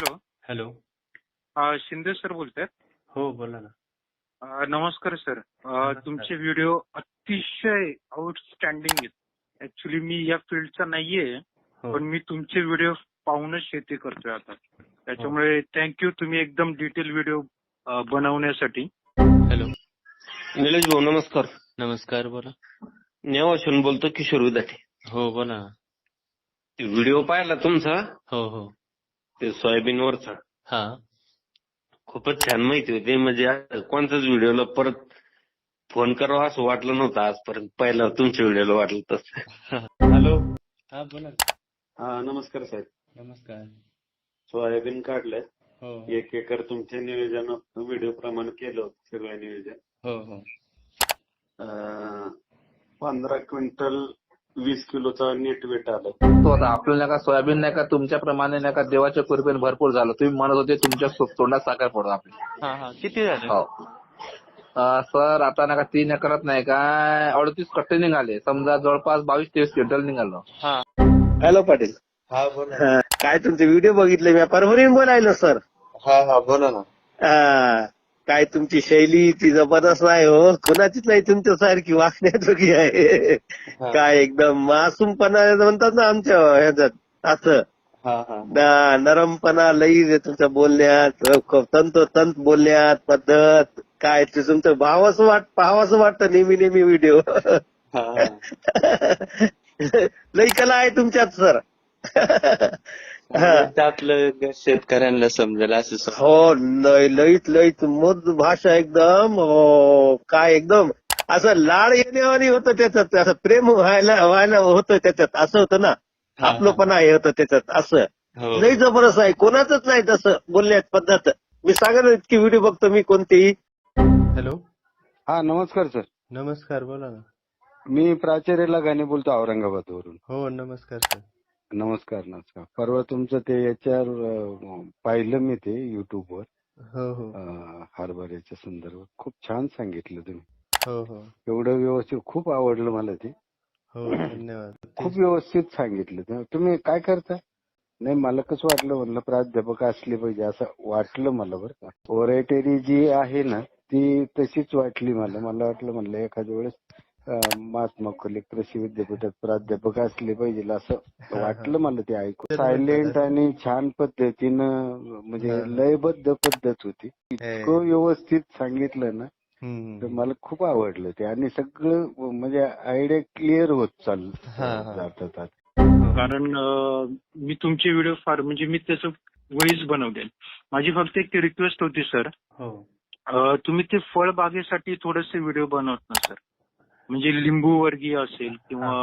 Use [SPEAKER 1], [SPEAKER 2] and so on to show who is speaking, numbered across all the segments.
[SPEAKER 1] Hello.
[SPEAKER 2] Hello.
[SPEAKER 1] Shinde sir बोलतायत?
[SPEAKER 2] हो, बोला ना.
[SPEAKER 1] नमस्कार सर.
[SPEAKER 2] नमस्कार.
[SPEAKER 1] तुमचे व्हिडिओ अतिशय आउटस्टँडिंग आहेत. ऍक्च्युली मी या फील्डचा नाहीये,
[SPEAKER 2] हो.
[SPEAKER 1] पण मी तुमचे व्हिडिओ पाहूनच शेती करतोय आता. त्याच्यामुळे थँक्यू, तुम्ही एकदम डिटेल व्हिडिओ बनवण्यासाठी.
[SPEAKER 2] हॅलो.
[SPEAKER 3] निलेश भाऊ नमस्कार.
[SPEAKER 2] नमस्कार, बोला.
[SPEAKER 3] नेवाशून बोलतो, किशोर विदाटे.
[SPEAKER 2] हो, बोला ना.
[SPEAKER 3] ते व्हिडिओ पाहिला तुमचा,
[SPEAKER 2] हो हो.
[SPEAKER 3] ते सोयाबीनवरचा,
[SPEAKER 2] हा.
[SPEAKER 3] खूपच छान माहिती होती. म्हणजे कोणत्याच व्हिडिओला परत फोन करावा असं वाटलं नव्हतं आजपर्यंत. पहिला तुमच्या व्हिडिओला वाटलं तसं. हॅलो.
[SPEAKER 2] हा, बोला.
[SPEAKER 3] हा नमस्कार साहेब.
[SPEAKER 2] नमस्कार.
[SPEAKER 3] सोयाबीन काढलंय.
[SPEAKER 2] हो
[SPEAKER 3] 1 एकर तुमच्या नियोजन व्हिडिओ प्रमाणे केलं होतं सगळं नियोजन.
[SPEAKER 2] हो हो.
[SPEAKER 3] 15 क्विंटल 20 किलोचा नेट वेट आलं.
[SPEAKER 4] तो आता आपल्याला नाही का सोयाबीन नाही का तुमच्याप्रमाणे नाही का देवाच्या कृपेने भरपूर झालं. तुम्ही म्हणत होते तुमच्या तोंडात साखर पडतो आपली.
[SPEAKER 2] हा हा. किती झालं?
[SPEAKER 4] हो. सर आता नाही का 3 एकरात नाही का 38 कट्टे निघाले. समजा जवळपास 22-23 क्विंटल निघालं.
[SPEAKER 2] हा.
[SPEAKER 3] हॅलो पाटील.
[SPEAKER 2] हा, बोला.
[SPEAKER 3] काय तुमचे व्हिडिओ बघितले मी, परभणीहून बोलायलो सर.
[SPEAKER 2] हा हा, बोला ना.
[SPEAKER 3] काय तुमची शैली ती जबरदस्त आहे हो. कुणाचीच नाही तुमच्यासारखी वागण्याजोगी आहे. काय एकदम मासूमपणा म्हणतात ना आमच्या ह्याच्यात, असं
[SPEAKER 2] हा हा.
[SPEAKER 3] नरमपणा लई आहे तुमच्या बोलण्यात, तंतोतंत बोलण्यात पद्धत. काय ते तुमचं पाहावंसं वाटतं नेहमी व्हिडिओ.
[SPEAKER 2] हा.
[SPEAKER 3] लई कला आहे तुमच्यात सर.
[SPEAKER 2] त्यातलं शेतकऱ्यांना समजेल असं.
[SPEAKER 3] हो, लईत मध भाषा एकदम. हो, काय एकदम असं लाड येण्यावानी होतं त्याच्यात, असं प्रेम व्हायला होतं त्याच्यात, असं होतं ना. आपलंपणा हे होतं त्याच्यात, असं लई जबरदस्त आहे. कोणाचंच नाही तसं बोलण्यात पद्धत. मी सांगा ना, इतकी व्हिडिओ बघतो मी कोणतेही.
[SPEAKER 2] हॅलो.
[SPEAKER 5] हा नमस्कार सर.
[SPEAKER 2] नमस्कार, बोला ना.
[SPEAKER 5] मी प्राचार्य लगाने बोलतो औरंगाबादवरून.
[SPEAKER 2] हो, नमस्कार सर.
[SPEAKER 5] नमस्कार. परवा तुमचं ते याच्यावर पाहिलं मी ते युट्यूबवर.
[SPEAKER 2] हो हो.
[SPEAKER 5] हरभऱ्याच्या संदर्भात खूप छान सांगितलं तुम्ही.
[SPEAKER 2] हो हो.
[SPEAKER 5] एवढं व्यवस्थित खूप आवडलं मला ते.
[SPEAKER 2] हो, धन्यवाद.
[SPEAKER 5] खूप व्यवस्थित सांगितलं. तुम्ही काय करता? नाही मला कसं वाटलं, म्हणलं प्राध्यापक असले पाहिजे असं वाटलं मला बरं का. ओरेटरी जी आहे ना ती तशीच वाटली मला. मला वाटलं म्हणलं एखाद्या वेळेस महात्मा फुले कृषी विद्यापीठात प्राध्यापक असले पाहिजे असं वाटलं मला ते ऐकून. सायलेंट आणि छान पद्धतीनं, म्हणजे लयबद्ध पद्धत होती. इतकं व्यवस्थित सांगितलं ना, तर मला खूप आवडलं ते. आणि सगळं म्हणजे आयडिया क्लिअर होत जातात.
[SPEAKER 1] कारण मी तुमचे व्हिडिओ फार म्हणजे मी त्याचं वहीच बनवले. माझी फक्त एक रिक्वेस्ट होती सर, तुम्ही ते फळबागेसाठी थोडेसे व्हिडिओ बनवत ना सर. म्हणजे लिंबू वर्गीय असेल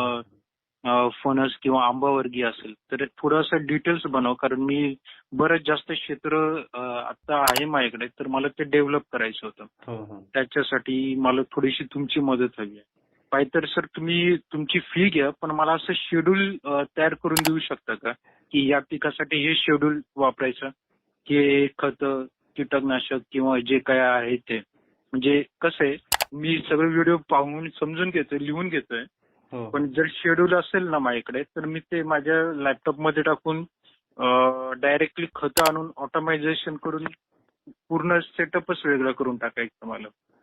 [SPEAKER 1] किंवा फणस किंवा आंबा वर्गीय असेल तर थोडंसं डिटेल्स बनव. कारण मी बरंच जास्त क्षेत्र आता आहे माझ्याकडे, तर मला ते डेव्हलप करायचं होतं. त्याच्यासाठी मला थोडीशी तुमची मदत हवी आहे. पाहिजे तर सर तुम्ही तुमची फी घ्या, पण मला असं शेड्यूल तयार करून देऊ शकता का, की या पिकासाठी हे शेड्यूल वापरायचं, की खत, कीटकनाशक किंवा जे काय आहे ते. म्हणजे कसं आहे, मी सगळे व्हिडिओ पाहून समजून घेतोय, लिहून घेतोय. पण जर शेड्यूल असेल ना माझ्याकडे, तर मी ते माझ्या लॅपटॉपमध्ये टाकून डायरेक्टली खतं आणून ऑटोमायझेशन करून पूर्ण सेटअपच वेगळं करून टाकायचं मला.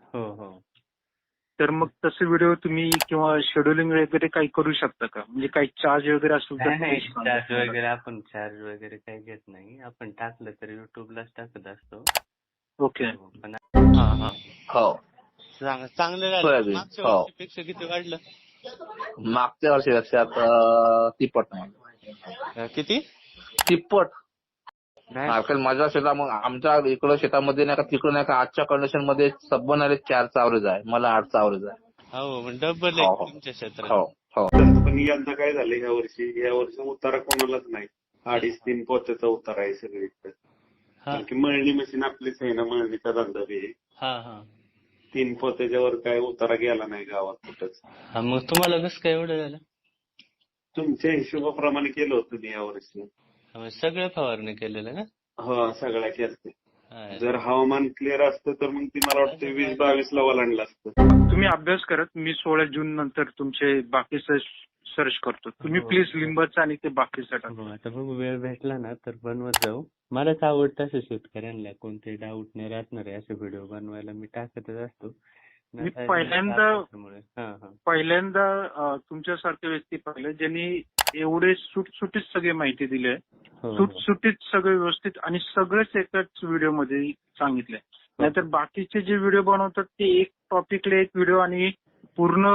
[SPEAKER 1] तर मग तसे व्हिडिओ तुम्ही किंवा शेड्युलिंग वगैरे काही करू शकता का? म्हणजे काही चार्ज वगैरे असेल तर.
[SPEAKER 2] चार्ज वगैरे आपण चार्ज वगैरे काही घेत नाही. आपण टाकलं तर युट्यूबलाच टाकत असतो.
[SPEAKER 1] ओके.
[SPEAKER 4] हो.
[SPEAKER 2] चांगलं झालं.
[SPEAKER 4] सोयाबीन.
[SPEAKER 2] मागच्या
[SPEAKER 4] हो.
[SPEAKER 2] वर्षीपेक्षा किती वाढलं?
[SPEAKER 4] मागच्या वर्षीपेक्षा तिप्पट.
[SPEAKER 2] किती?
[SPEAKER 4] तिप्पट.
[SPEAKER 2] नाही.
[SPEAKER 4] कारण माझ्या मग आमच्या इकडं शेतामध्ये नाही का, तिकडं नाही का, आजच्या कंडिशन मध्ये सबनारे 4चा ॲव्हरेज आहे, मला 8चा ॲव्हरेज आहे.
[SPEAKER 2] हो, डबल आहे तुमच्या क्षेत्रात.
[SPEAKER 4] हो.
[SPEAKER 3] पण यंदा काय झालं, यावर्षी उतारा कोणालाच नाही. 2.5-3 पोत्याचा उतारा आहे सगळीकडे. कारण की मळणी मशीन आपलीच आहे ना, मळणीचा धंदा बी आहे. 3 पोत्याच्या वर काय उतारा गेला नाही गावात कुठंच.
[SPEAKER 2] मग तुम्हाला कसं काय एवढं झालं?
[SPEAKER 3] तुमच्या हिशोबाप्रमाणे केलं होतं मी यावर्षी.
[SPEAKER 2] सगळं फवारणी केलेलं ना?
[SPEAKER 3] हो, सगळ्या केलं. जर हवामान क्लिअर असतं तर मग ती मला वाटतं 20-22 ला ओलांडलं असतं.
[SPEAKER 1] तुम्ही अभ्यास करत, मी 16 जून नंतर तुमचे बाकीचं सर्च करतो. तुम्ही प्लीज लिंबाचं आणि ते बाकीचं टाका.
[SPEAKER 2] हो, आता बघू वेळ भेटला ना तर बनवत जाऊ. मलाच आवडतं असं शेतकऱ्यांना कोणते डाऊट नाही राहणार आहे असे व्हिडिओ बनवायला, मी टाकतच असतो.
[SPEAKER 1] मी पहिल्यांदा
[SPEAKER 2] पहिल्यांदा
[SPEAKER 1] तुमच्यासारखे व्यक्ती पाहिले ज्यांनी एवढे सुटसुटीत सगळी माहिती दिली आहे.
[SPEAKER 2] हो.
[SPEAKER 1] सुटसुटीत सगळं व्यवस्थित आणि सगळंच एकाच व्हिडिओमध्ये सांगितलंय. नाहीतर बाकीचे जे व्हिडिओ बनवतात ते एक टॉपिकला एक व्हिडिओ आणि पूर्ण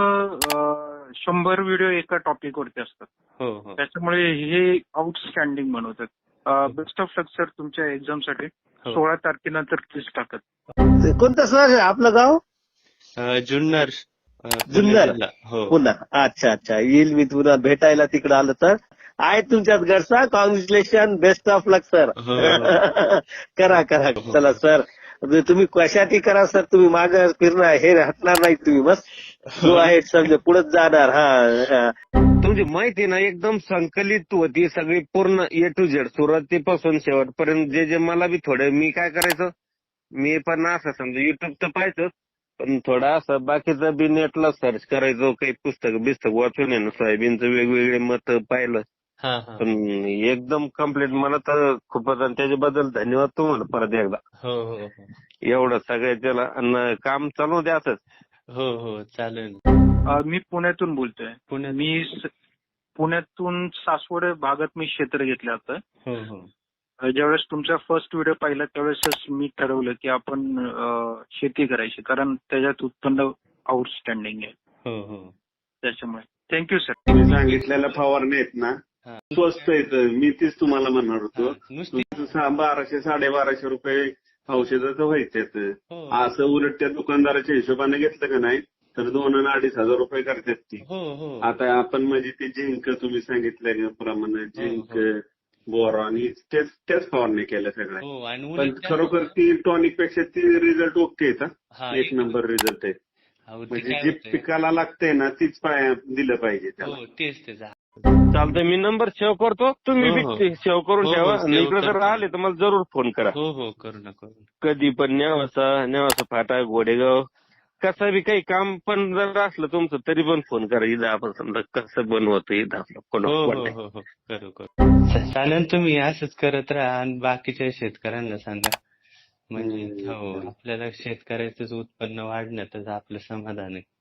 [SPEAKER 1] 100 व्हिडिओ एका टॉपिकवरती असतात.
[SPEAKER 2] हो.
[SPEAKER 1] त्याच्यामुळे हे आउटस्टँडिंग बनवतात. बेस्ट ऑफ लक सर तुमच्या एक्झामसाठी. 16 तारखेनंतर प्लीज टाकत.
[SPEAKER 3] कोणतं सर आपलं गाव?
[SPEAKER 2] जुन्नर.
[SPEAKER 3] जुन्नर
[SPEAKER 2] हो.
[SPEAKER 3] पुन्हा. अच्छा येईल मी पुन्हा भेटायला तिकडे आलं तर. आहे तुमच्यात घरचा. Congratulation, best of luck sir. करा चला सर. तुम्ही कशासाठी करा सर, तुम्ही मागे फिरणार हे हटणार नाही तुम्ही, बस जो आहे समजा पुढे जाणार. तुमची माहिती ना एकदम संकलित होती सगळी पूर्ण ए टू झेड सुरुवातीपासून शेवटपर्यंत. जे मला बी थोडं मी काय करायचं, मी पण असं समजा युट्यूब तर पाहायचं पण थोडं असं बाकीचं बी नेटला सर्च करायचो, काही पुस्तक वाचून आहे ना सोयाबीनचं वेगवेगळे मत पाहिलं. पण एकदम कम्प्लीट मला तर खूपच, आणि त्याच्याबद्दल धन्यवाद तुम्हाला परत एकदा.
[SPEAKER 2] हो.
[SPEAKER 3] एवढं सगळ्याच्याला आणि काम चालू द्या असंच.
[SPEAKER 2] हो चालेल.
[SPEAKER 1] मी पुण्यातून बोलतोय. पुण्यातून सासवड भागात मी क्षेत्र घेतलं होतं.
[SPEAKER 2] हो.
[SPEAKER 1] ज्यावेळेस तुमचा फर्स्ट व्हिडिओ पाहिला त्यावेळेसच मी ठरवलं की आपण शेती करायची, कारण त्याच्यात उत्पन्न आउटस्टँडिंग आहे.
[SPEAKER 2] हो.
[SPEAKER 1] त्याच्यामुळे थँक्यू सर.
[SPEAKER 6] तुम्ही सांगितलेल्या फवारणी आहेत ना स्वस्त आहेत. मी तीच तुम्हाला म्हणणार होतो.
[SPEAKER 2] नुसती
[SPEAKER 6] 1200-1250 रुपये औषधाचं व्हायचं.
[SPEAKER 2] हो.
[SPEAKER 6] असं उलट त्या दुकानदाराच्या हिशोबाने घेतलं का नाही तर 2,000 आणि 2,500 रुपये करतात ती.
[SPEAKER 2] हो.
[SPEAKER 6] आता आपण म्हणजे ते झिंक तुम्ही सांगितल्याप्रमाणे झिंक बोरॉन त्याच फवारणी केल्या सगळ्या.
[SPEAKER 2] हो, आणि
[SPEAKER 6] पण खरोखर ती टॉनिक पेक्षा ती रिझल्ट ओके आहेत. एक नंबर रिझल्ट आहे. म्हणजे जे पिकाला लागतंय ना तीच दिलं पाहिजे त्याला.
[SPEAKER 2] तेच.
[SPEAKER 3] चालतंय, मी नंबर सेव्ह करतो, तुम्ही बी सेव्ह करून ठेवा. इकडे जर आले तर मला जरूर फोन करा.
[SPEAKER 2] हो करू ना.
[SPEAKER 3] कधी पण नेवासा फाटा घोडेगाव कसं बी काही काम पण जर असलं तुमचं तरी पण फोन करा. इथं आपण समजा कसं बनवतो इथं आपलं
[SPEAKER 2] हो करू. चालेल, तुम्ही असंच करत राहा आणि बाकीच्या शेतकऱ्यांना सांगा. म्हणजे आपल्याला शेतकऱ्याचंच उत्पन्न वाढण्यातच आपलं समाधान आहे.